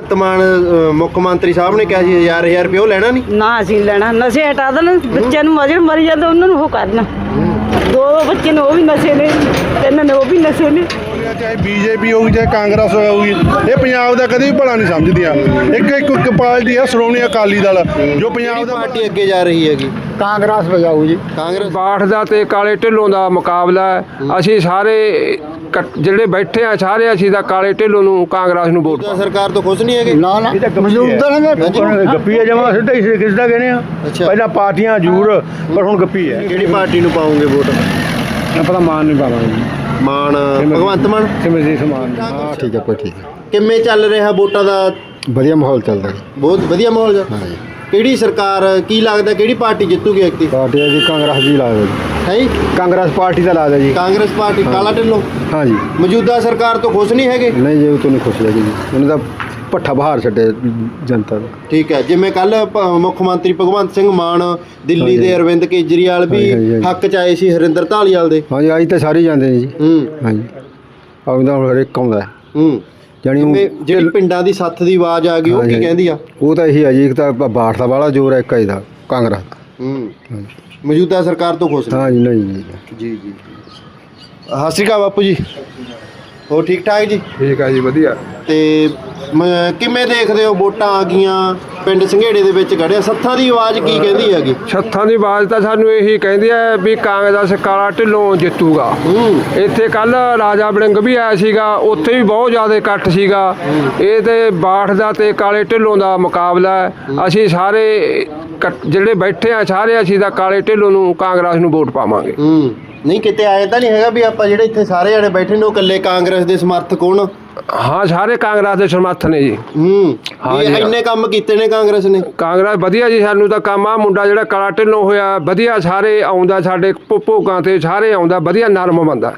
ਭਗਵੰਤ ਮਾਨ ਮੁੱਖ ਮੰਤਰੀ ਸਾਹਿਬ ਨੇ ਕਿਹਾ ਸੀ 1000 ਰੁਪਏ ਉਹ ਲੈਣਾ ਨਹੀਂ ਨਾ ਅਸੀਂ ਲੈਣਾ ਨਸ਼ੇ ਹਟਾ ਦੇਣ ਬੱਚਿਆਂ ਨੂੰ ਮਜੇ ਮਰੀ ਜਾਂਦੇ ਉਹਨਾਂ ਨੂੰ ਉਹ ਕਰਨਾ ਦੋ ਬੱਚੇ ਨੇ ਉਹ ਵੀ ਨਸ਼ੇ ਨੇ ਤਿੰਨ ਨੇ ਉਹ ਵੀ ਨਸ਼ੇ ਨੇ ਚਾਹੇ ਬੀਜੇਪੀ ਹੋਊਗੀ ਚਾਹੇ ਕਾਂਗਰਸ ਹੋਊਗੀ ਇਹ ਪੰਜਾਬ ਦਾ ਕਦੇ ਵੀ ਭਲਾ ਨਹੀਂ ਸਮਝਦੀਆਂ ਇੱਕ ਪਾਰਟੀ ਆ ਸ਼੍ਰੋਮਣੀ ਅਕਾਲੀ ਦਲ ਜੋ ਪੰਜਾਬ ਦਾ ਪਾਰਟੀ ਅੱਗੇ ਜਾ ਰਹੀ ਹੈਗੀ ਕਾਂਗਰਸ ਵਜਾਊ ਜੀ ਕਾਂਗਰਸ ਬਾਠ ਦਾ ਤੇ ਕਾਲੇ ਢਿੱਲੋਂ ਦਾ ਮੁਕਾਬਲਾ ਹੈ। ਅਸੀਂ ਸਾਰੇ ਜਿਹੜੇ ਬੈਠੇ ਆ ਸਾਰੇ ਅਸੀਂ ਤਾਂ ਕਾਲੇ ਢਿੱਲੋਂ ਨੂੰ ਕਾਂਗਰਸ ਨੂੰ ਵੋਟ ਸਰਕਾਰ ਤੋਂ ਖੁਸ਼ ਨਹੀਂ ਹੈਗੇ ਨਾ ਨਾ ਮੌਜੂਦਾ ਨੇ ਗੱਪੀ ਆ ਜਮਾ ਸਿੱਧਾ ਹੀ ਕਿਸ ਦਾ ਕਹਿੰਦੇ ਆ ਪਹਿਲਾਂ ਪਾਰਟੀਆਂ ਜ਼ਰੂਰ ਪਰ ਹੁਣ ਗੱਪੀ ਹੈ ਕਿਹੜੀ ਪਾਰਟੀ ਨੂੰ ਪਾਉਂਗੇ ਵੋਟ ਪਤਾ ਮਾਨ ਨਹੀਂ ਪਾਵਾਂਗੇ ਜੀ ਮਾਨ ਭਗਵੰਤ ਮਾਨ ਸਿਮਰਜੀਤ ਮਾਨ ਹਾਂ ਠੀਕ ਹੈ ਕੋਈ ਠੀਕ ਹੈ ਕਿਵੇਂ ਚੱਲ ਰਿਹਾ ਵੋਟਾਂ ਦਾ ਵਧੀਆ ਮਾਹੌਲ ਚੱਲਦਾ ਜੀ ਬਹੁਤ ਵਧੀਆ ਮਾਹੌਲ ਹੈ ਹਾਂ ਜੀ ਕਿਹੜੀ ਸਰਕਾਰ ਕੀ ਲੱਗਦਾ ਕਿਹੜੀ ਪਾਰਟੀ ਜਿੱਤੂਗੀ ਐਕਟੀ ਪਾਰਟੀ ਜੀ ਕਾਂਗਰਸ ਦੀ ਲਾ ਦਿਓ ਜੀ ਹੈ ਜੀ ਕਾਂਗਰਸ ਪਾਰਟੀ ਦਾ ਲਾ ਦਿਓ ਜੀ ਕਾਂਗਰਸ ਪਾਰਟੀ ਕਾਲਾ ਢਿੱਲੋਂ ਹਾਂ ਜੀ ਮੌਜੂਦਾ ਸਰਕਾਰ ਤੋਂ ਖੁਸ਼ ਨਹੀਂ ਹੈਗੇ ਨਹੀਂ ਜੀ ਉਹ ਤੋਂ ਨਹੀਂ ਖੁਸ਼ ਹੈਗੀ ਜੀ ਉਹਨੇ ਤਾਂ ਪੱਠਾ ਬਹਾਰ ਛੱਡੇ ਜਨਤਾ ਦਾ ਠੀਕ ਹੈ ਜਿਵੇਂ ਕੱਲ ਮੁੱਖ ਮੰਤਰੀ ਭਗਵੰਤ ਸਿੰਘ ਮਾਨ ਦਿੱਲੀ ਦੇ ਅਰਵਿੰਦ ਕੇਜਰੀਵਾਲ ਵੀ ਹੱਕ ਚ ਆਏ ਸੀ ਹਰਿੰਦਰ ਧਾਲੀਵਾਲ ਦੇ ਹਾਂ ਜੀ ਅੱਜ ਤਾਂ ਸਾਰੇ ਜਾਂਦੇ ਨੇ ਜੀ ਹਾਂ ਜੀ ਆਉਂਦਾ ਹੁਣ ਹਰੇਕ ਆਉਂਦਾ ਜਾਣੀ ਜਿਹੜੀ ਪਿੰਡਾਂ ਦੀ ਸੱਥ ਦੀ ਆਵਾਜ਼ ਆ ਗਈ ਉਹ ਕੀ ਕਹਿੰਦੀ ਆ ਉਹ ਤਾਂ ਇਹੀ ਆ ਜੀ ਇੱਕ ਤਾਂ ਬਾਠ ਦਾ ਵਾਲਾ ਜ਼ੋਰ ਹੈ ਇੱਕ ਇਹਦਾ ਕਾਂਗਰਸ ਦਾ ਮੌਜੂਦਾ ਸਰਕਾਰ ਤੋਂ ਖੁਸ਼ ਹਾਂ ਜੀ ਨਹੀਂ ਜੀ ਜੀ ਜੀ ਸਤਿ ਸ਼੍ਰੀ ਅਕਾਲ ਬਾਪੂ ਜੀ ਹੋਰ ਠੀਕ ਠਾਕ ਜੀ ਠੀਕ ਆ ਜੀ ਵਧੀਆ ਤੇ ਕਿਵੇਂ ਦੇਖਦੇ ਹੋ ਵੋਟਾਂ ਆ ਗਈਆਂ ਪਿੰਡ ਸੰਘੇੜੇ ਦੇ ਵਿੱਚ ਖੜਿਆ ਸੱਥਾਂ ਦੀ ਆਵਾਜ਼ ਕੀ ਕਹਿੰਦੀ ਹੈਗੀ ਛੱਥਾਂ ਦੀ ਆਵਾਜ਼ ਤਾਂ ਸਾਨੂੰ ਇਹੀ ਕਹਿੰਦੀ ਹੈ ਵੀ ਕਾਂਗਰਸ ਕਾਲਾ ਢਿੱਲੋਂ ਜਿੱਤੂਗਾ ਇੱਥੇ ਕੱਲ ਰਾਜਾ ਵੜਿੰਗ ਵੀ ਆਇਆ ਸੀਗਾ ਉੱਥੇ ਵੀ ਬਹੁਤ ਜ਼ਿਆਦਾ ਇਕੱਠ ਸੀਗਾ ਇਹ ਤੇ ਬਾਠ ਦਾ ਤੇ ਕਾਲੇ ਢਿੱਲੋਂ ਦਾ ਮੁਕਾਬਲਾ ਹੈ ਅਸੀਂ ਸਾਰੇ ਜਿਹੜੇ ਬੈਠੇ ਆ ਸਾਰੇ ਅਸੀਂ ਤਾਂ ਕਾਲੇ ਢਿੱਲੋਂ ਨੂੰ ਕਾਂਗਰਸ ਨੂੰ ਵੋਟ ਪਾਵਾਂਗੇ ਨਹੀਂ ਕਿਤੇ ਆਏ ਤਾਂ ਨਹੀਂ ਹੈਗਾ ਵੀ ਆਪਾਂ ਜਿਹੜੇ ਇੱਥੇ ਸਾਰੇ ਜਣੇ ਬੈਠੇ ਨੇ ਉਹ ਇਕੱਲੇ ਕਾਂਗਰਸ ਦੇ ਸਮਰਥਕ ਹੋਣ ਹਾਂ ਸਾਰੇ ਕਾਂਗਰਸ ਦੇ ਸਮਰਥ ਨੇ ਜੀ ਇੰਨੇ ਕੰਮ ਕੀਤੇ ਨੇ ਕਾਂਗਰਸ ਨੇ ਕਾਂਗਰਸ ਵਧੀਆ ਜੀ ਸਾਨੂੰ ਤਾਂ ਕੰਮ ਆ ਮੁੰਡਾ ਜਿਹੜਾ ਕਾਲਾ ਢਿੱਲੋਂ ਹੋਇਆ ਵਧੀਆ ਸਾਰੇ ਆਉਂਦਾ ਸਾਡੇ ਭੋਗਾਂ ਤੇ ਸਾਰੇ ਆਉਂਦਾ ਵਧੀਆ ਨਰਮ ਬੰਦਾ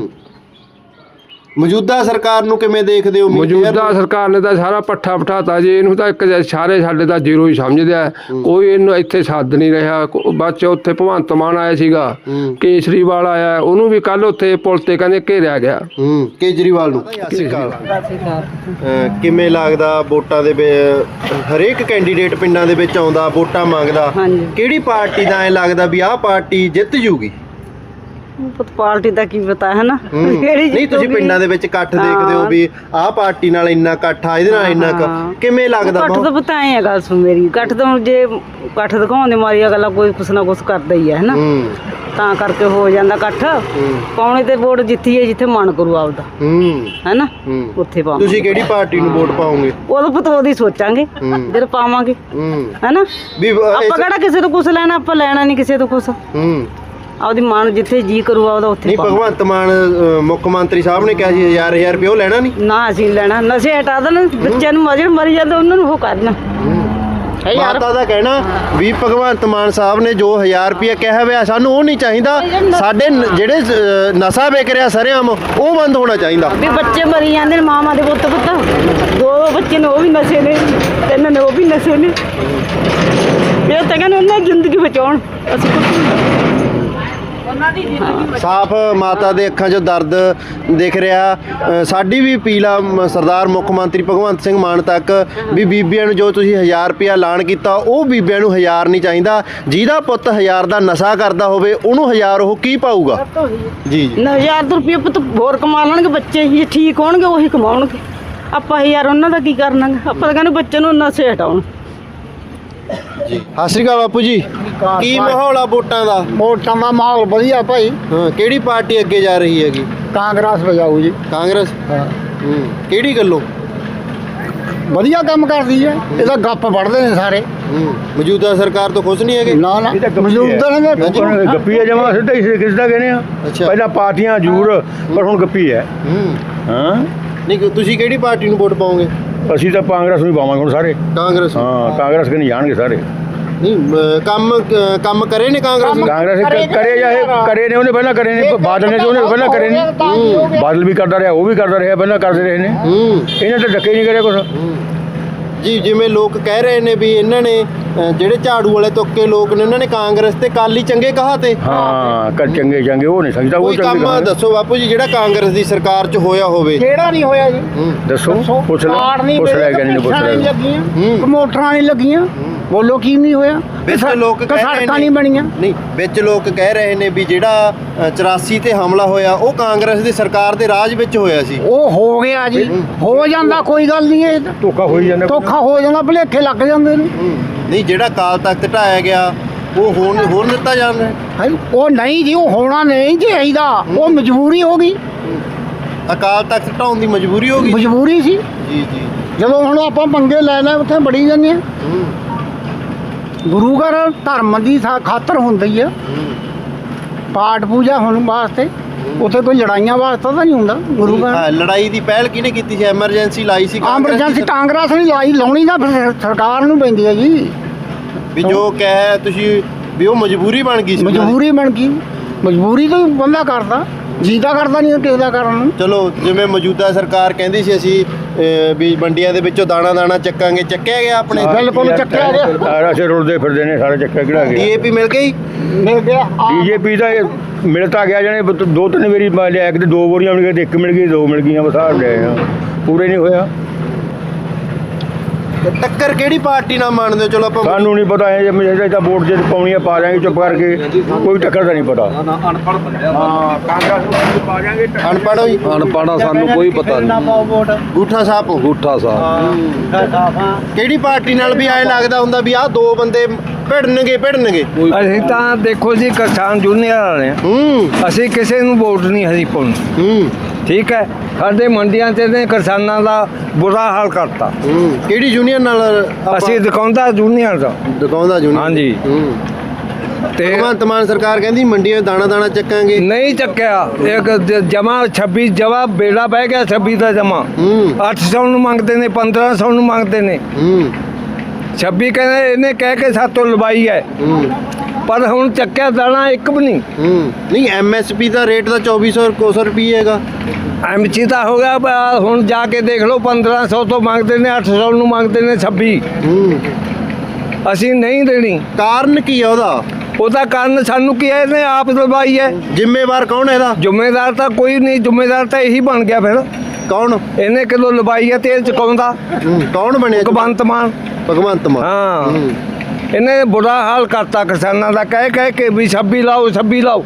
ਮੌਜੂਦਾ ਸਰਕਾਰ ਨੂੰ ਕਿਵੇਂ ਦੇਖਦੇ ਹੋ ਮੌਜੂਦਾ ਸਰਕਾਰ ਨੇ ਤਾਂ ਸਾਰਾ ਪੱਠਾ ਪਠਾਤਾ ਜੀ ਇਹਨੂੰ ਤਾਂ ਇੱਕ ਸਾਰੇ ਸਾਡੇ ਤਾਂ ਜ਼ੀਰੋ ਹੀ ਸਮਝਦੇ ਆ ਕੋਈ ਇਹਨੂੰ ਇੱਥੇ ਸੱਦ ਨਹੀਂ ਰਿਹਾ ਬਾਅਦ ਉੱਥੇ ਭਗਵੰਤ ਮਾਨ ਆਇਆ ਸੀਗਾ ਕੇਜਰੀਵਾਲ ਆਇਆ ਉਹਨੂੰ ਵੀ ਕੱਲ ਉੱਥੇ ਪੁਲ ਤੇ ਕਹਿੰਦੇ ਘੇਰਿਆ ਗਿਆ ਕੇਜਰੀਵਾਲ ਨੂੰ ਕਿਵੇਂ ਲੱਗਦਾ ਵੋਟਾਂ ਦੇ ਹਰੇਕ ਕੈਂਡੀਡੇਟ ਪਿੰਡਾਂ ਦੇ ਵਿੱਚ ਆਉਂਦਾ ਵੋਟਾਂ ਮੰਗਦਾ ਕਿਹੜੀ ਪਾਰਟੀ ਦਾ ਐ ਲੱਗਦਾ ਵੀ ਆਹ ਪਾਰਟੀ ਜਿੱਤ ਜੂਗੀ ਪਾਰਟੀ ਦਾ ਕੀ ਪਤਾ ਹੈ ਨਾ ਨਹੀਂ ਤੁਸੀਂ ਪਿੰਡਾਂ ਦੇ ਵਿੱਚ ਇਕੱਠ ਦੇਖਦੇ ਹੋ ਵੀ ਆਹ ਪਾਰਟੀ ਨਾਲ ਇੰਨਾ ਇਕੱਠ ਆ ਇਹਦੇ ਨਾਲ ਇੰਨਾ ਕਿਵੇਂ ਲੱਗਦਾ ਇਕੱਠ ਤਾਂ ਪਤਾ ਐ ਗੱਲ ਸੁਣ ਮੇਰੀ ਇਕੱਠ ਤਾਂ ਜੇ ਇਕੱਠ ਦਿਖਾਉਣ ਦੀ ਮਾਰੀ ਅਗਲਾ ਕੋਈ ਕੁਛ ਨਾ ਕੁਛ ਕਰਦਾ ਹੀ ਹੈ ਨਾ ਤਾਂ ਕਰਕੇ ਹੋ ਜਾਂਦਾ ਇਕੱਠ ਪਾਉਣੇ ਤੇ ਵੋਟ ਜਿੱਤੀ ਹੈ ਜਿੱਥੇ ਮਨ ਕਰੂ ਆਪਦਾ ਹੈ ਨਾ ਉੱਥੇ ਪਾਵਾਂਗੇ ਤੁਸੀਂ ਕਿਹੜੀ ਪਾਰਟੀ ਨੂੰ ਵੋਟ ਪਾਓਗੇ ਉਦੋਂ ਪਤਾ ਉਹਦੀ ਸੋਚਾਂਗੇ ਜਦੋਂ ਪਾਵਾਂਗੇ ਹੈ ਨਾ ਆਪਾਂ ਕਿਹੜਾ ਕਿਸੇ ਤੋਂ ਕੁਛ ਲੈਣਾ ਆਪਾਂ ਲੈਣਾ ਨਹੀਂ ਕਿਸੇ ਤੋਂ ਕੁਛ ਆਪਦੀ ਮਾਨ ਜਿੱਥੇ ਜੀ ਕਰੂ ਆਪਦਾ ਉੱਥੇ ਨਹੀਂ ਭਗਵੰਤ ਮਾਨ ਮੁੱਖ ਮੰਤਰੀ ਸਾਹਿਬ ਨੇ ਕਿਹਾ ਸੀ 1000 ਰੁਪਏ ਉਹ ਲੈਣਾ ਨਹੀਂ ਨਾ ਅਸੀਂ ਲੈਣਾ ਨਸ਼ੇ ਹਟਾ ਦੇਣ ਬੱਚਿਆਂ ਨੂੰ ਮਜੇ ਮਰੀ ਜਾਂਦੇ ਉਹਨਾਂ ਨੂੰ ਉਹ ਕਰਨਾ ਮਾਤਾ ਦਾ ਕਹਿਣਾ ਵੀ ਭਗਵੰਤ ਮਾਨ ਸਾਹਿਬ ਨੇ ਜੋ 1000 ਰੁਪਏ ਕਿਹਾ ਹੋਇਆ ਸਾਨੂੰ ਉਹ ਨਹੀਂ ਚਾਹੀਦਾ ਸਾਡੇ ਜਿਹੜੇ ਨਸ਼ਾ ਵੇਚ ਰਿਹਾ ਸਰੇਆਮ ਉਹ ਬੰਦ ਹੋਣਾ ਚਾਹੀਦਾ ਵੀ ਬੱਚੇ ਮਰੀ ਜਾਂਦੇ ਨੇ ਮਾਵਾਂ ਦੇ ਪੁੱਤ ਦੋ ਬੱਚੇ ਨੇ ਉਹ ਵੀ ਨਸ਼ੇ ਨੇ ਤਿੰਨ ਨੇ ਉਹ ਵੀ ਨਸ਼ੇ ਨੇ ਇਹ ਤਾਂ ਕਹਿੰਦੇ ਉਹਨਾਂ ਦੀ ਜ਼ਿੰਦਗੀ ਬਚਾਉਣ ਅਸੀਂ ਸਾਫ਼ ਮਾਤਾ ਦੇ ਅੱਖਾਂ 'ਚੋਂ ਦਰਦ ਦਿਖ ਰਿਹਾ ਸਾਡੀ ਵੀ ਅਪੀਲ ਆ ਸਰਦਾਰ ਮੁੱਖ ਮੰਤਰੀ ਭਗਵੰਤ ਸਿੰਘ ਮਾਨ ਤੱਕ ਵੀ ਬੀਬੀਆਂ ਨੂੰ ਜੋ ਤੁਸੀਂ 1000 ਰੁਪਇਆ ਐਲਾਨ ਕੀਤਾ ਉਹ ਬੀਬੀਆਂ ਨੂੰ 1000 ਨਹੀਂ ਚਾਹੀਦਾ ਜਿਹਦਾ ਪੁੱਤ 1000 ਦਾ ਨਸ਼ਾ ਕਰਦਾ ਹੋਵੇ ਉਹਨੂੰ 1000 ਉਹ ਕੀ ਪਾਊਗਾ ਜੀ 1000 ਰੁਪਏ ਪੁੱਤ ਹੋਰ ਕਮਾ ਲੈਣਗੇ ਬੱਚੇ ਹੀ ਠੀਕ ਹੋਣਗੇ ਉਹੀ ਕਮਾਉਣਗੇ ਆਪਾਂ 1000 ਉਹਨਾਂ ਦਾ ਕੀ ਕਰਨਾ ਆਪਾਂ ਤਾਂ ਕਹਿੰਦੇ ਬੱਚੇ ਨੂੰ ਨਸ਼ੇ ਹਟਾਉਣ ਜੀ ਸਤਿ ਸ਼੍ਰੀ ਅਕਾਲ ਬਾਪੂ ਜੀ ਕੀ ਮਾਹੌਲ ਆ ਵੋਟਾਂ ਦਾ ਵੋਟਾਂ ਦਾ ਮਾਹੌਲ ਵਧੀਆ ਭਾਈ ਕਿਹੜੀ ਪਾਰਟੀ ਅੱਗੇ ਜਾ ਰਹੀ ਹੈਗੀ ਕਾਂਗਰਸ ਵਜਾਊ ਜੀ ਕਾਂਗਰਸ ਕਿਹੜੀ ਗੱਲੋਂ ਵਧੀਆ ਕੰਮ ਕਰਦੀ ਹੈ ਇਹਦਾ ਗੱਪ ਵੜਦੇ ਨੇ ਸਾਰੇ ਮੌਜੂਦਾ ਸਰਕਾਰ ਤੋਂ ਖੁਸ਼ ਨਹੀਂ ਹੈਗੇ ਨਾ ਨਾ ਮੌਜੂਦਾ ਨੇ ਗੱਪੀ ਆ ਜਮਾ ਸਿੱਧਾ ਹੀ ਕਿਸ ਦਾ ਕਹਿੰਦੇ ਆ ਪਹਿਲਾਂ ਪਾਰਟੀਆਂ ਜ਼ਰੂਰ ਪਰ ਹੁਣ ਗੱਪੀ ਹੈ ਨਹੀਂ ਤੁਸੀਂ ਕਿਹੜੀ ਪਾਰਟੀ ਨੂੰ ਵੋਟ ਪਾਓਗੇ ਅਸੀਂ ਤਾਂ ਕਾਂਗਰਸ ਨੂੰ ਪਾਵਾਂਗੇ ਹੁਣ ਸਾਰੇ ਕਾਂਗਰਸ ਕਾਂਗਰਸ ਕਿ ਨਹੀਂ ਜਾਣਗੇ ਸਾਰੇ ਨਹੀਂ ਕੰਮ ਕਰੇ ਨੇ ਕਾਂਗਰਸ ਕਰੇ ਜਾਂ ਕਰੇ ਨੇ ਉਹਨੇ ਪਹਿਲਾਂ ਕਰੇ ਨੇ ਬਾਦਲ ਨੇ ਉਹਨੇ ਪਹਿਲਾਂ ਕਰੇ ਨੇ ਬਾਦਲ ਵੀ ਕਰਦਾ ਰਿਹਾ ਉਹ ਵੀ ਕਰਦਾ ਰਿਹਾ ਪਹਿਲਾਂ ਕਰਦੇ ਰਹੇ ਨੇ ਇਹਨੇ ਤਾਂ ਡੱਕੇ ਨਹੀਂ ਕਰਿਆ ਕੁਛ ਜੀ ਜਿਵੇਂ ਲੋਕ ਕਹਿ ਰਹੇ ਨੇ ਵੀ ਇਹਨਾਂ ਨੇ ਜਿਹੜੇ ਝਾੜੂ ਵਾਲੇ ਤੁੱਕੇ ਲੋਕ ਨੇ ਉਹਨਾਂ ਨੇ ਕਾਂਗਰਸ ਤੇ ਕਾਲੀ ਚੰਗੇ ਕਹਾ ਤੇ ਹਾਂ ਕਰ ਚੰਗੇ ਚੰਗੇ ਉਹ ਨਹੀਂ ਸਕਦਾ ਉਹ ਕੋਈ ਕੰਮ ਚੰਗੇ ਦੱਸੋ ਬਾਪੂ ਜੀ ਜਿਹੜਾ ਕਾਂਗਰਸ ਦੀ ਸਰਕਾਰ 'ਚ ਹੋਇਆ ਹੋਵੇ। ਕਿਹੜਾ ਨਹੀਂ ਹੋਇਆ ਜੀ? ਦੱਸੋ ਪੁੱਛ ਕਾਰਡ ਲੈ ਨਹੀਂ ਪੁੱਛ ਲੈ ਕਿ ਨਹੀਂ ਪੁੱਛ ਨਹੀਂ ਲੈ ਲੱਗੀਆਂ, ਮੋਟਰਾਂ ਨਹੀਂ ਲੱਗੀਆਂ, ਬੋਲੋ ਕੀ ਨਹੀਂ ਹੋਇਆ? ਵਿੱਚ ਲੋਕ ਕਹਿ ਰਹੇ ਸੜਕਾਂ ਨੇ ਨਹੀਂ ਬਣੀਆਂ। ਨਹੀਂ ਵਿੱਚ ਲੋਕ ਕਹਿ ਰਹੇ ਨੇ ਵੀ ਜਿਹੜਾ 84 ਤੇ ਹਮਲਾ ਹੋਇਆ ਉਹ ਕਾਂਗਰਸ ਦੀ ਸਰਕਾਰ ਦੇ ਰਾਜ ਵਿੱਚ ਹੋਇਆ ਸੀ। ਉਹ ਹੋ ਗਿਆ ਜੀ, ਹੋ ਜਾਂਦਾ, ਕੋਈ ਗੱਲ ਨਹੀਂ ਹੈ। ਧੋਖਾ ਹੋਈ ਜਾਂਦਾ ਧੋਖਾ ਹੋ ਜਾਂਦਾ, ਭੁਲੇਖੇ ਲੱਗ ਜਾਂਦੇ ਨੇ। ਨਹੀਂ ਜਿਹੜਾ ਅਕਾਲ ਤਖਤ ਢਾਇਆ ਗਿਆ ਉਹ ਹੋਰ ਦਿੱਤਾ ਜਾਂਦਾ ਹੈ। ਹੈ ਉਹ ਨਹੀਂ ਜੀ, ਉਹ ਹੋਣਾ ਨਹੀਂ ਚਾਹੀਦਾ, ਉਹ ਮਜਬੂਰੀ ਹੋ ਗਈ, ਅਕਾਲ ਤਖਤ ਢਾਉਣ ਦੀ ਮਜਬੂਰੀ ਹੋ ਗਈ। ਮਜਬੂਰੀ ਸੀ। ਜੀ ਜੀ ਜਦੋਂ ਹੁਣ ਆਪਾਂ ਪੰਗੇ ਲੈ ਲੈ ਉੱਥੇ ਬੜੀ ਜਾਂਦੇ ਆ। ਗੁਰੂ ਘਰ ਧਰਮ ਦੀ ਖਾਤਰ ਹੁੰਦੀ ਆ, ਪਾਠ ਪੂਜਾ ਹੋਣ ਵਾਸਤੇ, ਉੱਥੇ ਕੋਈ ਲੜਾਈਆਂ ਵਾਸਤੇ ਤਾਂ ਨਹੀਂ ਹੁੰਦਾ ਗੁਰੂ ਘਰ। ਹਾਂ, ਲੜਾਈ ਦੀ ਪਹਿਲ ਕਿਹਨੇ ਕੀਤੀ ਸੀ? ਐਮਰਜੈਂਸੀ ਲਾਈ ਸੀ ਕਾਂਗਰਸ ਦੀ ਐਮਰਜੈਂਸੀ ਕਾਂਗਰਸ ਨੇ ਲਾਉਣੀ ਤਾਂ ਫਿਰ ਸਰਕਾਰ ਨੂੰ ਪੈਂਦੀ ਹੈ ਜੀ। ਵੀ ਜੋ ਕਹਿ ਤੁਸੀਂ ਵੀ ਉਹ ਮਜਬੂਰੀ ਬਣ ਗਈ ਸੀ ਉਹਨਾਂ ਦੀ। ਮਜਬੂਰੀ ਬਣ ਗਈ, ਮਜਬੂਰੀ ਤੋਂ ਹੀ ਬੰਦਾ ਕਰਦਾ, ਜੀਦਾ ਕਰਦਾ ਨਹੀਂ ਕਿਸੇ ਦਾ ਕਰਨ ਨੂੰ। ਚਲੋ ਜਿਵੇਂ ਮੌਜੂਦਾ ਸਰਕਾਰ ਕਹਿੰਦੀ ਸੀ ਅਸੀਂ ਵੀ ਮੰਡੀਆਂ ਦੇ ਵਿੱਚੋਂ ਦਾਣਾ ਦਾਣਾ ਚੱਕਾਂਗੇ, ਚੱਕਿਆ ਗਿਆ ਆਪਣੇ? ਬਿਲਕੁਲ ਚੱਕਿਆ ਗਿਆ। ਅਸੀਂ ਰੁਲਦੇ ਫਿਰਦੇ ਨੇ ਸਾਰੇ ਚੱਕਾ ਕਿਹੜਾ ਗਿਆ ਡੀਏਪੀ ਮਿਲ ਗਈ? ਮਿਲ ਗਿਆ। ਬੀਜੇਪੀ ਦਾ ਮਿਲ ਤਾਂ ਗਿਆ ਜਾਣੇ ਦੋ ਤਿੰਨ ਵਾਰੀ ਲਿਆ ਕੇ ਤੇ 2 ਬੋਰੀਆਂ ਮਿਲ ਗਈਆਂ ਤੇ 1 ਮਿਲ ਗਈ 2 ਮਿਲ ਗਈਆਂ ਬਸ ਆ ਗਏ ਆ ਪੂਰੇ ਨਹੀਂ ਹੋਇਆ। ਟੱਕਰ ਕਿਹੜੀ ਪਾਰਟੀ ਨਾਲ ਮੰਨਦੇ ਹੋ? ਚਲੋ ਆਪਾਂ ਸਾਨੂੰ ਨਹੀਂ ਪਤਾ ਇਹ ਜੇ ਤਾਂ ਵੋਟ ਜੇ ਪਾਉਣੀ ਆ ਪਾ ਦਿਆਂਗੇ ਚੁੱਪ ਕਰਕੇ, ਕੋਈ ਟੱਕਰ ਦਾ ਨਹੀਂ ਪਤਾ। ਅਨਪੜ੍ਹ ਹੋਈ ਅਨਪੜ੍ਹਾਂ ਸਾਨੂੰ ਕੋਈ ਪਤਾ ਨਹੀਂ। ਗੂਠਾ ਸਾਹਿਬ ਹੋ? ਗੂਠਾ ਸਾਹਿਬ ਕਿਹੜੀ ਪਾਰਟੀ ਨਾਲ ਵੀ ਐ ਲੱਗਦਾ ਹੁੰਦਾ ਵੀ ਆਹ ਦੋ ਬੰਦੇ ਭਿੜਨਗੇ? ਅਸੀਂ ਤਾਂ ਦੇਖੋ ਜੀ ਕਿਸਾਨ ਯੂਨੀਅਨ ਵਾਲੇ ਹਾਂ, ਅਸੀਂ ਕਿਸੇ ਨੂੰ ਵੋਟ ਨਹੀਂ ਹਰੀ ਪਾਉਣੀ, ਠੀਕ ਹੈ। ਸਾਡੇ ਮੰਡੀਆਂ 'ਚ ਨੇ ਕਿਸਾਨਾਂ ਦਾ ਬੁਰਾ ਹਾਲ ਕਰਤਾ। ਕਿਹੜੀ ਯੂਨੀਅਨ ਨਾਲ ਆਪਾਂ? ਅਸੀਂ ਦਿਖਾਉਂਦਾ ਯੂਨੀਅਨ ਦਾ। ਦਿਖਾਉਂਦਾ ਯੂਨੀਅਨ। ਹਾਂਜੀ। ਤੇ ਭਗਵੰਤ ਮਾਨ ਸਰਕਾਰ ਕਹਿੰਦੀ ਮੰਡੀਆਂ ਦਾਣਾ ਦਾਣਾ ਚੱਕਾਂਗੇ, ਨਹੀਂ ਚੱਕਿਆ। ਇੱਕ ਜਮਾ 26 ਜਵਾ ਬੇੜਾ ਬਹਿ ਗਿਆ 26 ਦਾ ਜਮਾ 800 ਨੂੰ ਮੰਗਦੇ ਨੇ, 1500 ਨੂੰ ਮੰਗਦੇ ਨੇ। 26 ਕਹਿੰਦੇ ਇਹਨੇ ਕਹਿ ਕੇ ਸਾਤੋਂ ਲਵਾਈ ਹੈ, ਪਰ ਹੁਣ ਚੱਕਿਆ ਦਾਣਾ ਇੱਕ ਵੀ ਨਹੀਂ। ਨਹੀਂ ਐਮਐਸਪੀ ਦਾ ਰੇਟ ਤਾਂ 2400 ਰੁਪਏ ਹੈਗਾ। ਐਮਸੀ ਤਾਂ ਹੋ ਗਿਆ ਹੁਣ ਜਾ ਕੇ ਦੇਖ ਲਓ 1500 ਤੋਂ ਮੰਗਦੇ ਨੇ, 800 ਨੂੰ ਮੰਗਦੇ ਨੇ 26। ਅਸੀਂ ਨਹੀਂ ਦੇਣੀ। ਕਾਰਨ ਕੀ ਆ ਉਹਦਾ? ਉਹਦਾ ਕਾਰਨ ਸਾਨੂੰ ਕੀ ਹੈ, ਇਹਨੇ ਆਪ ਲਵਾਈ ਹੈ। ਜ਼ਿੰਮੇਵਾਰ ਕੌਣ ਹੈ ਇਹਦਾ? ਜ਼ਿੰਮੇਦਾਰ ਤਾਂ ਕੋਈ ਨਹੀਂ, ਜ਼ਿੰਮੇਦਾਰ ਤਾਂ ਇਹੀ ਬਣ ਗਿਆ ਫਿਰ। ਕੌਣ? ਇਹਨੇ ਕਿਲੋ ਲਵਾਈ ਹੈ ਤੇਲ ਚੁਕਾਉਂਦਾ। ਕੌਣ ਬਣਿਆ? ਭਗਵੰਤ ਮਾਨ। ਭਗਵੰਤ ਮਾਨ। ਹਾਂ, ਇਹਨੇ ਬੁਰਾ ਹਾਲ ਕਰਤਾ ਕਿਸਾਨਾਂ ਦਾ, ਕਹਿ ਕੇ ਵੀ 26 ਲਾਓ 26 ਲਾਓ।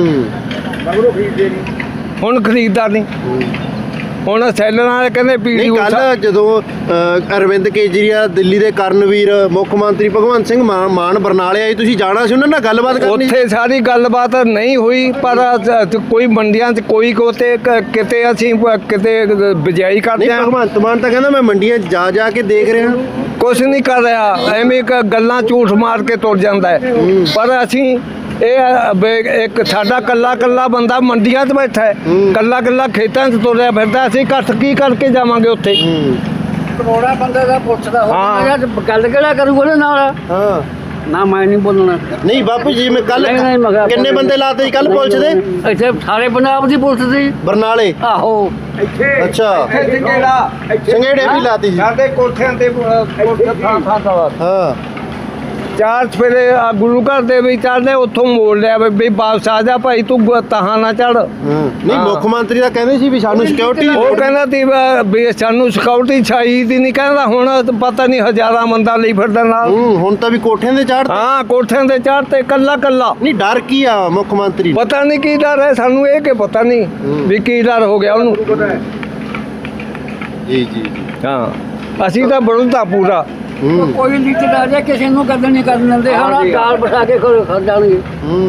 ਹੁਣ ਖਰੀਦਦਾ ਨਹੀਂ। ਹੁਣ ਸੈਲਰਾਂ ਵਾਲੇ ਕਹਿੰਦੇ ਨਹੀਂ ਕੱਲ ਜਦੋਂ ਅਰਵਿੰਦ ਕੇਜਰੀਵਾਲ ਦਿੱਲੀ ਦੇ ਕਰਨਵੀਰ ਮੁੱਖ ਮੰਤਰੀ ਭਗਵੰਤ ਸਿੰਘ ਮਾਨ ਬਰਨਾਲੇ ਆਏ, ਤੁਸੀਂ ਜਾਣਾ ਸੀ ਉਹਨਾਂ ਨਾਲ ਗੱਲਬਾਤ ਕਰਨੀ? ਉੱਥੇ ਸਾਰੀ ਗੱਲਬਾਤ ਨਹੀਂ ਹੋਈ, ਪਰ ਕੋਈ ਮੰਡੀਆਂ 'ਚ ਕੋਈ ਕਿਤੇ ਅਸੀਂ ਕਿਤੇ ਬਿਜਾਈ ਕਰਦੇ ਹਾਂ। ਭਗਵੰਤ ਮਾਨ ਤਾਂ ਕਹਿੰਦਾ ਮੈਂ ਮੰਡੀਆਂ 'ਚ ਜਾ ਕੇ ਦੇਖ ਰਿਹਾ। ਕੁਛ ਨਹੀਂ ਕਰ ਰਿਹਾ, ਐਵੇਂ ਗੱਲਾਂ ਝੂਠ ਮਾਰ ਕੇ ਤੁਰ ਜਾਂਦਾ ਹੈ। ਪਰ ਅਸੀਂ ਇੱਕ ਸਾਡਾ ਕੱਲਾ ਬੰਦਾ ਮੰਡੀਆਂ 'ਚ ਬੈਠਾ ਹੈ, ਕੱਲਾ ਖੇਤਾਂ 'ਚ ਤੁਰਿਆ ਫਿਰਦਾ, ਅਸੀਂ ਇਕੱਠ ਕੀ ਕਰਕੇ ਜਾਵਾਂਗੇ ਉੱਥੇ? ਕਰੋੜਾ ਬੰਦੇ ਦਾ ਪੁੱਛਦਾ ਹਾਂ। ਗੱਲ ਕਿਹੜਾ ਕਰੂਗਾ ਉਹਦੇ ਨਾਲ? ਹਾਂ ਨਾ ਮੈਂ ਨਹੀਂ ਬੋਲਣਾ। ਨਹੀਂ ਬਾਪੂ ਜੀ ਮੈਂ ਕੱਲ ਨਹੀਂ, ਮੈਂ ਕਿਹਾ ਕਿੰਨੇ ਬੰਦੇ ਲਾਤੇ ਜੀ ਕੱਲ ਪੁਲਿਸ ਦੇ? ਇੱਥੇ ਸਾਰੇ ਪੰਜਾਬ ਦੀ ਪੁਲਿਸ ਦੀ। ਬਰਨਾਲੇ? ਆਹੋ। ਅੱਛਾ, ਸੰਘੇੜੇ ਵੀ ਲਾਤੀ ਸੀ? ਸਾਡੇ ਕੋਠਿਆਂ ਤੇ ਹਾਂ। 4 ਸਵੇਰੇ ਗੁਰੂ ਘਰ ਦੇ ਵਿੱਚ ਚੜ੍ਹਦੇ, ਉੱਥੋਂ ਮੋੜ ਲਿਆ ਵੀ ਵਾਪਸ ਆ ਜਾ ਭਾਈ, ਤੂੰ ਤਹਾਂ ਨਾ ਚੜ। ਨਹੀਂ ਮੁੱਖ ਮੰਤਰੀ ਤਾਂ ਕਹਿੰਦੇ ਸੀ ਵੀ ਸਾਨੂੰ ਸਿਕਿਉਰਿਟੀ। ਉਹ ਕਹਿੰਦਾ ਸੀ ਵੀ ਸਾਨੂੰ ਸਿਕਿਉਰਿਟੀ ਚਾਹੀਦੀ ਨਹੀਂ, ਕਹਿੰਦਾ ਹੁਣ ਪਤਾ ਨਹੀਂ ਹਜ਼ਾਰਾਂ ਬੰਦਾ ਲਈ ਫਿਰਦਾ ਨਾਲ। ਹੁਣ ਤਾਂ ਵੀ ਕੋਠਿਆਂ ਦੇ ਚੜ੍ਹ। ਹਾਂ, ਕੋਠਿਆਂ ਤੇ ਚੜ੍ਹਤੇ ਕੱਲਾ। ਨਹੀਂ ਡਰ ਕੀ ਆ ਮੁੱਖ ਮੰਤਰੀ? ਪਤਾ ਨਹੀਂ ਕੀ ਡਰ ਹੈ ਸਾਨੂੰ, ਇਹ ਕਿ ਪਤਾ ਨਹੀਂ ਵੀ ਕੀ ਡਰ ਹੋ ਗਿਆ ਉਹਨੂੰ। ਜੀ ਜੀ। ਹਾਂ, ਅਸੀਂ ਤਾਂ ਵਿਰੋਧਤਾ ਪੂਰਾ। ਕੋਈ ਲੀਡਰ ਆ ਜਾ ਕਿਸੇ ਨੂੰ ਕਦਰ ਨਹੀਂ ਕਰਨ ਦਿੰਦੇ, ਹਾਂ ਕਾਲ ਬਿਠਾ ਕੇ ਖੜ ਜਾਣਗੇ।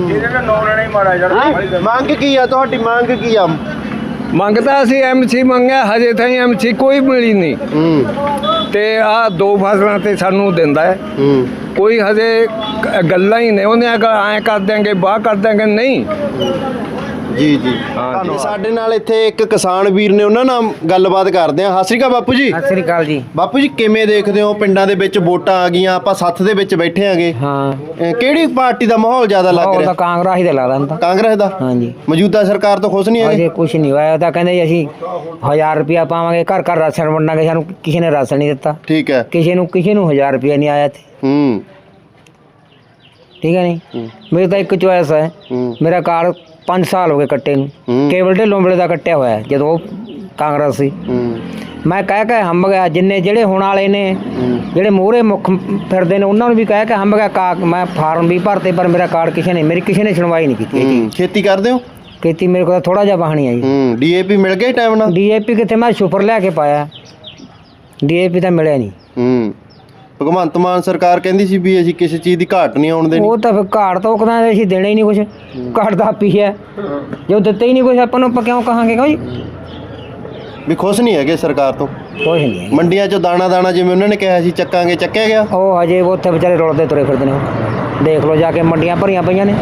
ਮੰਗ ਕੀ ਆ ਤੁਹਾਡੀ? ਮੰਗ ਕੀ ਆ? ਮੰਗਦਾ ਅਸੀਂ ਐਮਸੀ ਮੰਗਿਆ, ਹਜੇ ਤਾਈਂ ਐਮਸੀ ਕੋਈ ਮਿਲੀ ਨਹੀਂ। ਤੇ ਆਹ 2 ਫਸਲਾਂ ਤੇ ਸਾਨੂੰ ਦਿੰਦਾ ਹੈ, ਕੋਈ ਹਜੇ ਗੱਲਾਂ ਹੀ ਨੇ। ਉਹਨੇ ਐਂ ਕਰ ਦਿਆਂਗੇ, ਬਾਹ ਕਰ ਦਿਆਂਗੇ, ਨਹੀਂ। ਜੀ ਜੀ ਸਾਡੇ ਨਾਲ ਇੱਥੇ ਇੱਕ ਕਿਸਾਨ ਵੀਰ ਨੇ, ਉਹਨਾਂ ਨਾਲ ਗੱਲਬਾਤ ਕਰਦੇ ਆ। ਸਤਿ ਸ਼੍ਰੀ ਅਕਾਲ ਬਾਪੂ ਜੀ। ਸਤਿ ਸ੍ਰੀ ਅਕਾਲ ਜੀ। ਬਾਪੂ ਜੀ ਕਿਵੇਂ ਦੇਖਦੇ ਹੋ, ਪਿੰਡਾਂ ਦੇ ਵਿੱਚ ਵੋਟਾਂ ਆ ਗਈਆਂ, ਆਪਾਂ ਸੱਥ ਦੇ ਵਿੱਚ ਬੈਠੇ ਆਂਗੇ, ਹਾਂ ਕਿਹੜੀ ਪਾਰਟੀ ਦਾ ਮਾਹੌਲ ਜ਼ਿਆਦਾ ਲੱਗ ਉਹ ਰਿਹਾ? ਤਾਂ ਕਾਂਗਰਸ ਹੀ ਤੇ ਲੱਗਦਾ ਹੁਣ ਤਾਂ। ਕਾਂਗਰਸ ਦਾ? ਹਾਂਜੀ। ਮੌਜੂਦਾ ਸਰਕਾਰ ਤੋਂ ਖੁਸ਼ ਨਹੀਂ ਹੈਗੇ? ਅਜੇ ਕੁਝ ਨਹੀਂ ਹੋਇਆ, ਤਾਂ ਕਹਿੰਦੇ ਜੀ ਅਸੀਂ 1000 ਰੁਪਇਆ ਪਾਵਾਂਗੇ, ਘਰ ਘਰ ਰਾਸ਼ਨ ਵੰਡਾਂਗੇ। ਸਾਨੂੰ ਕਿਸੇ ਨੇ ਰਾਸ਼ਨ ਨਹੀਂ ਦਿੱਤਾ, ਠੀਕ ਹੈ। ਕਿਸੇ ਨੂੰ 1000 ਰੁਪਇਆ ਨਹੀਂ ਆਇਆ ਇੱਥੇ। ਹੂੰ ਠੀਕ ਹੈ ਨਹੀਂ। ਮੇਰੀ ਤਾਂ ਇੱਕ ਚੋਇਸ ਹੈ, ਮੇਰਾ ਕਾਰਡ 5 ਸਾਲ ਹੋ ਗਏ ਕੱਟੇ ਨੂੰ, ਕੇਵਲ ਢਿੱਲੋਂ ਵੇਲੇ ਦਾ ਕੱਟਿਆ ਹੋਇਆ ਜਦੋਂ ਉਹ ਕਾਂਗਰਸ ਸੀ। ਮੈਂ ਕਹਿ ਕੇ ਹੰਬ ਗਿਆ, ਜਿੰਨੇ ਜਿਹੜੇ ਹੁਣ ਵਾਲੇ ਨੇ, ਜਿਹੜੇ ਮੋਹਰੇ ਮੁੱਖ ਫਿਰਦੇ ਨੇ, ਉਹਨਾਂ ਨੂੰ ਵੀ ਕਹਿ ਕੇ ਹੰਬ ਗਿਆ। ਮੈਂ ਫਾਰਮ ਵੀ ਭਰਤੇ, ਪਰ ਮੇਰਾ ਕਾਰਡ ਮੇਰੀ ਕਿਸੇ ਨੇ ਸੁਣਵਾਈ ਨਹੀਂ ਕੀਤੀ। ਖੇਤੀ ਕਰਦੇ ਹੋ? ਖੇਤੀ ਮੇਰੇ ਕੋਲ ਥੋੜਾ ਜਿਹਾ ਬਾਹਣੀ ਆ ਜੀ। ਡੀਏਪੀ ਮਿਲ ਗਿਆ ਟਾਈਮ ਨਾਲ? ਡੀਏਪੀ ਕਿੱਥੇ, ਮੈਂ ਸੁਪਰ ਲਿਆ ਕੇ ਪਾਇਆ, ਡੀਏਪੀ ਤਾਂ ਮਿਲਿਆ ਨਹੀਂ। ਭਗਵੰਤ ਮਾਨ ਸਰਕਾਰ ਕਹਿੰਦੀ ਸੀ ਵੀ ਅਸੀਂ ਕਿਸੇ ਚੀਜ਼ ਦੀ ਘਾਟ ਨਹੀਂ ਆਉਣ ਦੇਣੀ। ਉਹ ਤਾਂ ਫਿਰ ਘਾਟ ਤੋਂ ਕਹਿੰਦਾ ਅਸੀਂ ਦੇਣਾ ਹੀ ਨਹੀਂ ਕੁਛ, ਘਾਟ ਦਾ ਆਪੀ ਹੈ, ਜੋ ਦਿੱਤੇ ਹੀ ਨਹੀਂ ਕੁਛ ਆਪਾਂ ਨੂੰ, ਆਪਾਂ ਕਿਉਂ ਕਹਾਂਗੇ ਜੀ? ਵੀ ਖੁਸ਼ ਨਹੀਂ ਹੈਗੇ ਸਰਕਾਰ ਤੋਂ? ਕੁਛ ਨਹੀਂ ਹੈ। ਮੰਡੀਆਂ 'ਚੋਂ ਦਾਣਾ ਜਿਵੇਂ ਉਹਨਾਂ ਨੇ ਕਿਹਾ ਸੀ ਚੱਕਾਂਗੇ, ਚੱਕਿਆ ਗਿਆ? ਉਹ ਹਜੇ ਉੱਥੇ ਵਿਚਾਰੇ ਰੁਲਦੇ ਤੁਰੇ ਫਿਰਦੇ ਨੇ, ਦੇਖ ਲਓ ਜਾ ਕੇ ਮੰਡੀਆਂ ਭਰੀਆਂ ਪਈਆਂ ਨੇ।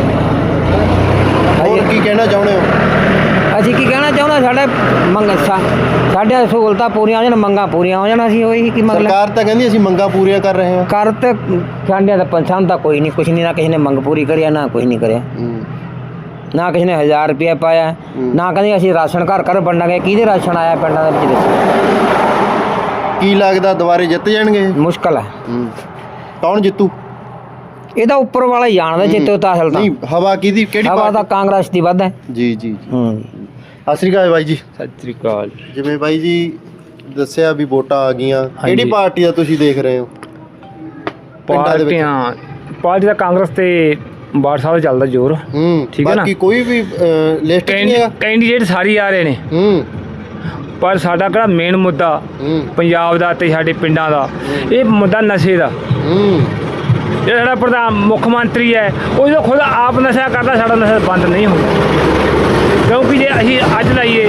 ਹੋਰ ਕੀ ਕਹਿਣਾ ਚਾਹੁੰਦੇ ਹੋ? ਅਸੀਂ ਕੀ ਕਹਿਣਾ ਚਾਹੁੰਦਾ, ਸਾਡੇ ਸਹੂਲਤਾਂ ਪੂਰੀਆਂ ਹੋ ਜਾਣ, ਮੰਗਾਂ ਪੂਰੀਆਂ ਹੋ ਜਾਣ, ਅਸੀਂ ਉਹੀ ਕੀ ਮੰਗ ਸਰਕਾਰ ਤਾਂ ਕਹਿੰਦੀ ਅਸੀਂ ਮੰਗਾਂ ਪੂਰੀਆਂ ਕਰ ਰਹੇ ਹਾਂ। ਕਰ ਤੇ ਸਾਡੀਆਂ ਤਾਂ ਪਸੰਦ ਤਾਂ ਕੋਈ ਨਹੀਂ, ਕੁਛ ਨਹੀਂ, ਨਾ ਕਿਸੇ ਨੇ ਮੰਗ ਪੂਰੀ ਕਰਿਆ, ਨਾ ਕੁਛ ਨਹੀਂ ਕਰਿਆ, ਨਾ ਕਿਸੇ ਨੇ 1000 ਰੁਪਇਆ ਪਾਇਆ, ਨਾ ਕਹਿੰਦੇ ਅਸੀਂ ਰਾਸ਼ਨ ਘਰ ਘਰ ਵੰਡਾਂਗੇ। ਕਿਹਦੇ ਰਾਸ਼ਨ ਆਇਆ ਪਿੰਡਾਂ ਦੇ ਵਿੱਚ? ਕੀ ਲੱਗਦਾ ਦੁਬਾਰੇ ਜਿੱਤ ਜਾਣਗੇ? ਮੁਸ਼ਕਲ ਹੈ। ਕੌਣ ਜਿੱਤੂ? ਇਹਦਾ ਉੱਪਰ ਵਾਲਾ ਹੀ ਜਾਣਦਾ ਜਿੱਤੇ ਤਾਂ ਅਸਲ ਤਾਂ। ਨਹੀਂ, ਹਵਾ ਕਿਹਦੀ, ਕਿਹੜੀ ਹਵਾ ਤਾਂ ਪਾਰਟੀ? ਕਾਂਗਰਸ ਦੀ ਵੱਧ ਹੈ। ਜੀ ਜੀ। ਹੂੰ। ਸਤਿ ਸ਼੍ਰੀ ਅਕਾਲ ਬਾਈ ਜੀ। ਸਤਿ ਸ੍ਰੀ ਅਕਾਲ। ਜਿਵੇਂ ਬਾਈ ਜੀ ਦੱਸਿਆ ਵੀ ਵੋਟਾਂ ਆ ਗਈਆਂ, ਕਿਹੜੀ ਪਾਰਟੀ ਦਾ ਤੁਸੀਂ ਦੇਖ ਰਹੇ ਹੋ ਪਿੰਡਾਂ ਦੇ ਵਿੱਚ? ਪਾਰਟੀ ਦਾ ਕਾਂਗਰਸ ਤੇ ਬਾੜ ਸਾਹਿਬ ਦਾ ਚੱਲਦਾ ਜ਼ੋਰ। ਠੀਕ ਹੈ ਨਾ। ਬਾਕੀ ਕੋਈ ਵੀ ਲਿਸਟ ਨਹੀਂ ਹੈਗਾ? ਕੈਂਡੀਡੇਟ ਸਾਰੇ ਆ ਰਹੇ ਨੇ, ਪਰ ਸਾਡਾ ਕਿਹੜਾ ਮੇਨ ਮੁੱਦਾ ਪੰਜਾਬ ਦਾ ਤੇ ਸਾਡੇ ਪਿੰਡਾਂ ਦਾ, ਇਹ ਮੁੱਦਾ ਨਸ਼ੇ ਦਾ। ਜਿਹੜਾ ਸਾਡਾ ਪ੍ਰਧਾਨ ਮੁੱਖ ਮੰਤਰੀ ਹੈ, ਉਹ ਜਦੋਂ ਖੁਦ ਆਪ ਨਸ਼ਾ ਕਰਦਾ, ਸਾਡਾ ਨਸ਼ਾ ਬੰਦ ਨਹੀਂ ਹੁੰਦਾ। ਕਿਉਂਕਿ ਜੇ ਅਸੀਂ ਅੱਜ ਲਾਈਏ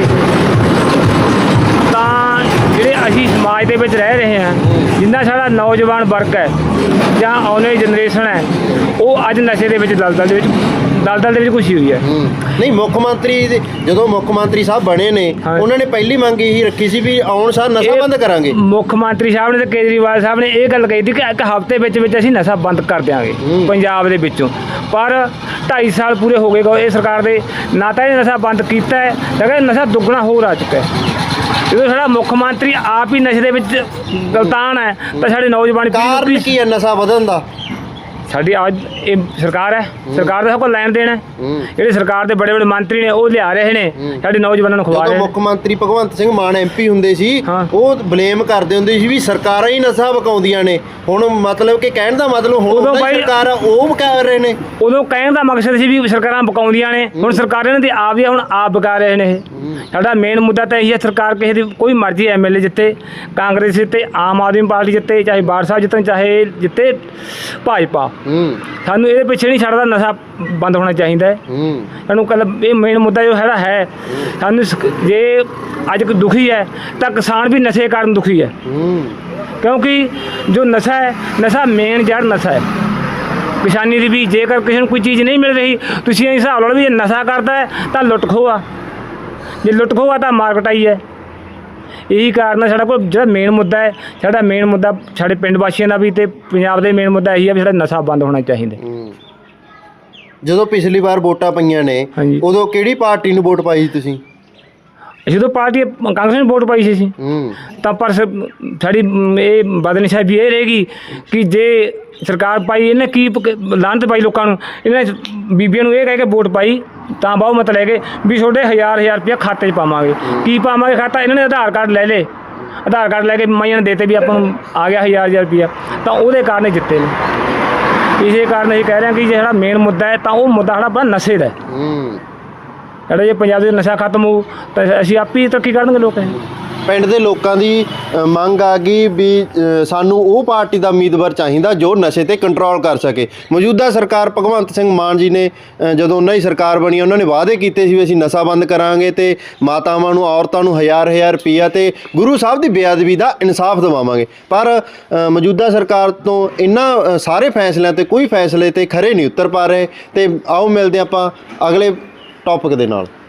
ਤਾਂ ਜਿਹੜੇ ਅਸੀਂ ਸਮਾਜ ਦੇ ਵਿੱਚ ਰਹਿ ਰਹੇ ਹਾਂ, ਜਿੰਨਾ ਸਾਡਾ ਨੌਜਵਾਨ ਵਰਗ ਹੈ ਜਾਂ ਆਉਣ ਵਾਲੀ ਜਨਰੇਸ਼ਨ ਹੈ, ਉਹ ਅੱਜ ਨਸ਼ੇ ਦੇ ਵਿੱਚ ਦਲਦਲ ਦੇ ਵਿੱਚ ਘੁਸੀ ਹੋਈ ਹੈ। ਨਹੀਂ, ਮੁੱਖ ਮੰਤਰੀ ਜਦੋਂ ਮੁੱਖ ਮੰਤਰੀ ਸਾਹਿਬ ਬਣੇ ਨੇ, ਉਹਨਾਂ ਨੇ ਪਹਿਲੀ ਮੰਗ ਇਹੀ ਰੱਖੀ ਸੀ ਵੀ ਆਉਣ ਸਾਰ ਨਸ਼ਾ ਬੰਦ ਕਰਾਂਗੇ। ਮੁੱਖ ਮੰਤਰੀ ਸਾਹਿਬ ਨੇ ਤੇ ਕੇਜਰੀਵਾਲ ਸਾਹਿਬ ਨੇ ਇਹ ਗੱਲ ਕਹੀ ਸੀ ਕਿ ਇੱਕ ਹਫ਼ਤੇ ਵਿੱਚ ਅਸੀਂ ਨਸ਼ਾ ਬੰਦ ਕਰ ਦਿਆਂਗੇ ਪੰਜਾਬ ਦੇ ਵਿੱਚੋਂ। ਪਰ 2.5 ਸਾਲ ਪੂਰੇ ਹੋ ਗਏ ਇਹ ਸਰਕਾਰ ਦੇ, ਨਾ ਤਾਂ ਇਹ ਨਸ਼ਾ ਬੰਦ ਕੀਤਾ ਹੈ, ਲੇਕਿਨ ਨਸ਼ਾ ਦੁੱਗਣਾ ਹੋਰ ਆ ਚੁੱਕਾ ਹੈ। ਜਦੋਂ ਸਾਡਾ ਮੁੱਖ ਮੰਤਰੀ ਆਪ ਹੀ ਨਸ਼ੇ ਦੇ ਵਿੱਚ ਗਲਤਾਨ ਹੈ, ਤਾਂ ਸਾਡੇ ਨੌਜਵਾਨ ਕਾਰਨ ਕੀ ਹੈ ਨਸ਼ਾ ਵਧਣ ਦਾ? ਸਾਡੀ ਅੱਜ ਇਹ ਸਰਕਾਰ ਹੈ, ਸਰਕਾਰ ਦਾ ਸਭ ਕੁਝ ਲੈਣ ਦੇਣਾ। ਜਿਹੜੇ ਸਰਕਾਰ ਦੇ ਬੜੇ ਮੰਤਰੀ ਨੇ, ਉਹ ਲਿਆ ਰਹੇ ਨੇ, ਸਾਡੇ ਨੌਜਵਾਨਾਂ ਨੂੰ ਖਵਾ ਰਹੇ ਨੇ। ਮੁੱਖ ਮੰਤਰੀ ਭਗਵੰਤ ਸਿੰਘ ਮਾਨ MP ਹੁੰਦੇ ਸੀ, ਉਹ ਬਲੇਮ ਕਰਦੇ ਹੁੰਦੇ ਸੀ ਵੀ ਸਰਕਾਰਾਂ ਹੀ ਨਸ਼ਾ ਵਕਾਉਂਦੀਆਂ ਨੇ। ਹੁਣ ਮਤਲਬ ਕਿ ਕਹਿਣ ਦਾ ਮਤਲਬ ਹੁਣ ਸਰਕਾਰ ਉਹ ਕਰ ਰਹੇ ਨੇ। ਉਦੋਂ ਕਹਿਣ ਦਾ ਮਕਸਦ ਸੀ ਵੀ ਸਰਕਾਰਾਂ ਵਕਾਉਂਦੀਆਂ ਨੇ, ਹੁਣ ਸਰਕਾਰਾਂ ਨੇ ਆਪ ਹੀ ਹੁਣ ਆਪ ਵਕਾ ਰਹੇ ਨੇ। ਇਹ ਸਾਡਾ ਮੇਨ ਮੁੱਦਾ ਤਾਂ ਇਹੀ ਹੈ, ਸਰਕਾਰ ਕਿਸੇ ਦੀ ਕੋਈ ਮਰਜ਼ੀ MLA ਜਿੱਤੇ, ਕਾਂਗਰਸ ਜਿੱਤੇ, ਆਮ ਆਦਮੀ ਪਾਰਟੀ ਜਿੱਤੇ, ਚਾਹੇ ਬਾੜ ਸਾਹਿਬ ਜਿੱਤਣ, ਚਾਹੇ ਜਿੱਤੇ ਭਾਜਪਾ। ਸਾਨੂੰ ਇਹਦੇ ਪਿੱਛੇ ਨਹੀਂ ਛੱਡਦਾ, ਨਸ਼ਾ ਬੰਦ ਹੋਣਾ ਚਾਹੀਦਾ ਹੈ। ਸਾਨੂੰ ਕੱਲ ਇਹ ਮੇਨ ਮੁੱਦਾ ਜੋ ਹੈਗਾ ਹੈ, ਸਾਨੂੰ ਜੇ ਅੱਜ ਕੋਈ ਦੁਖੀ ਹੈ ਤਾਂ ਕਿਸਾਨ ਵੀ ਨਸ਼ੇ ਕਾਰਨ ਦੁਖੀ ਹੈ। ਕਿਉਂਕਿ ਜੋ ਨਸ਼ਾ ਹੈ, ਨਸ਼ਾ ਮੇਨ ਜੜ ਨਸ਼ਾ ਹੈ ਕਿਸਾਨੀ ਦੀ ਵੀ। ਜੇਕਰ ਕਿਸੇ ਨੂੰ ਕੋਈ ਚੀਜ਼ ਨਹੀਂ ਮਿਲ ਰਹੀ, ਤੁਸੀਂ ਇਹ ਹਿਸਾਬ ਲਾ ਲਓ ਵੀ ਇਹ ਨਸ਼ਾ ਕਰਦਾ ਹੈ ਤਾਂ ਲੁੱਟ ਖੋਹ ਆ, ਜੇ ਲੁੱਟ ਖੋਹ ਆ ਤਾਂ ਮਾਰਕਟਾਈ ਹੈ। ਇਹੀ ਕਾਰਨ ਹੈ ਸਾਡਾ ਕੋਲ ਜਿਹੜਾ ਮੇਨ ਮੁੱਦਾ ਹੈ, ਸਾਡਾ ਮੇਨ ਮੁੱਦਾ ਸਾਡੇ ਪਿੰਡ ਵਾਸੀਆਂ ਦਾ ਵੀ ਤੇ ਪੰਜਾਬ ਦੇ ਮੇਨ ਮੁੱਦਾ ਇਹੀ ਹੈ ਵੀ ਸਾਡਾ ਨਸ਼ਾ ਬੰਦ ਹੋਣਾ ਚਾਹੀਦਾ। ਜਦੋਂ ਪਿਛਲੀ ਵਾਰ ਵੋਟਾਂ ਪਈਆਂ ਨੇ, ਉਦੋਂ ਕਿਹੜੀ ਪਾਰਟੀ ਨੂੰ ਵੋਟ ਪਾਈ ਸੀ ਤੁਸੀਂ? ਜਦੋਂ ਪਾਰਟੀ ਕਾਂਗਰਸ ਨੇ ਵੋਟ ਪਾਈ ਸੀ ਅਸੀਂ, ਤਾਂ ਪਰ ਸਾਡੀ ਇਹ ਬਦਨਿਸ਼ਾਨੀ ਵੀ ਇਹ ਰਹੇਗੀ ਕਿ ਜੇ ਸਰਕਾਰ ਪਾਈ, ਇਹਨੇ ਕੀ ਲਾਹਨਤ ਪਾਈ ਲੋਕਾਂ ਨੂੰ, ਇਹਨੇ ਬੀਬੀਆਂ ਨੂੰ ਇਹ ਕਹਿ ਕੇ ਵੋਟ ਪਾਈ ਤਾਂ ਬਹੁਤ ਮਤਲਬ ਹੈਗੇ ਵੀ ਤੁਹਾਡੇ 1000 ਰੁਪਇਆ ਖਾਤੇ 'ਚ ਪਾਵਾਂਗੇ। ਕੀ ਪਾਵਾਂਗੇ ਖਾਤਾ? ਇਹਨਾਂ ਨੇ ਆਧਾਰ ਕਾਰਡ ਲੈ ਲਏ, ਆਧਾਰ ਕਾਰਡ ਲੈ ਕੇ ਮਾਈਆਂ ਨੇ ਦੇਤੇ ਵੀ ਆਪਾਂ ਨੂੰ ਆ ਗਿਆ 1000 ਰੁਪਇਆ, ਤਾਂ ਉਹਦੇ ਕਾਰਨ ਜਿੱਤੇ ਨੇ। ਇਸੇ ਕਾਰਨ ਅਸੀਂ ਕਹਿ ਰਹੇ ਹਾਂ ਕਿ ਜਿਹੜਾ ਮੇਨ ਮੁੱਦਾ ਹੈ ਤਾਂ ਉਹ ਮੁੱਦਾ ਸਾਡਾ ਆਪਣਾ ਨਸ਼ੇ ਦਾ ਹੈ। ਜਿਹੜਾ ਜੇ ਪੰਜਾਬ ਦੇ ਨਸ਼ਾ ਖਤਮ ਹੋਊ ਤਾਂ ਅਸੀਂ ਆਪ ਹੀ ਤਰੱਕੀ ਕਰਨਗੇ ਲੋਕ। ਪਿੰਡ ਦੇ ਲੋਕਾਂ ਦੀ ਮੰਗ ਆ ਗਈ ਵੀ ਸਾਨੂੰ ਉਹ ਪਾਰਟੀ ਦਾ ਉਮੀਦਵਾਰ ਚਾਹੀਦਾ ਜੋ ਨਸ਼ੇ ਤੇ ਕੰਟਰੋਲ ਕਰ ਸਕੇ। ਮੌਜੂਦਾ ਸਰਕਾਰ ਭਗਵੰਤ ਸਿੰਘ ਮਾਨ ਜੀ ਨੇ ਜਦੋਂ ਉਹਨਾਂ ਦੀ ਸਰਕਾਰ ਬਣੀ, ਉਹਨਾਂ ਨੇ ਵਾਅਦੇ ਕੀਤੇ ਸੀ ਵੀ ਅਸੀਂ ਨਸ਼ਾ ਬੰਦ ਕਰਾਂਗੇ ਤੇ ਮਾਤਾਵਾਂ ਨੂੰ, ਔਰਤਾਂ ਨੂੰ 1000 ਰੁਪਈਆ ਤੇ ਗੁਰੂ ਸਾਹਿਬ ਦੀ ਬੇਅਦਬੀ ਦਾ ਇਨਸਾਫ ਦਿਵਾਵਾਂਗੇ। ਪਰ ਮੌਜੂਦਾ ਸਰਕਾਰ ਤੋਂ ਇਹਨਾਂ ਸਾਰੇ ਫੈਸਲਿਆਂ ਤੇ ਕੋਈ ਫੈਸਲੇ ਤੇ ਖਰੇ ਨਹੀਂ ਉਤਰ ਪਾ ਰਹੇ। ਤੇ ਆਓ ਮਿਲਦੇ ਆਪਾਂ ਅਗਲੇ ਟੌਪਿਕ ਦੇ ਨਾਲ।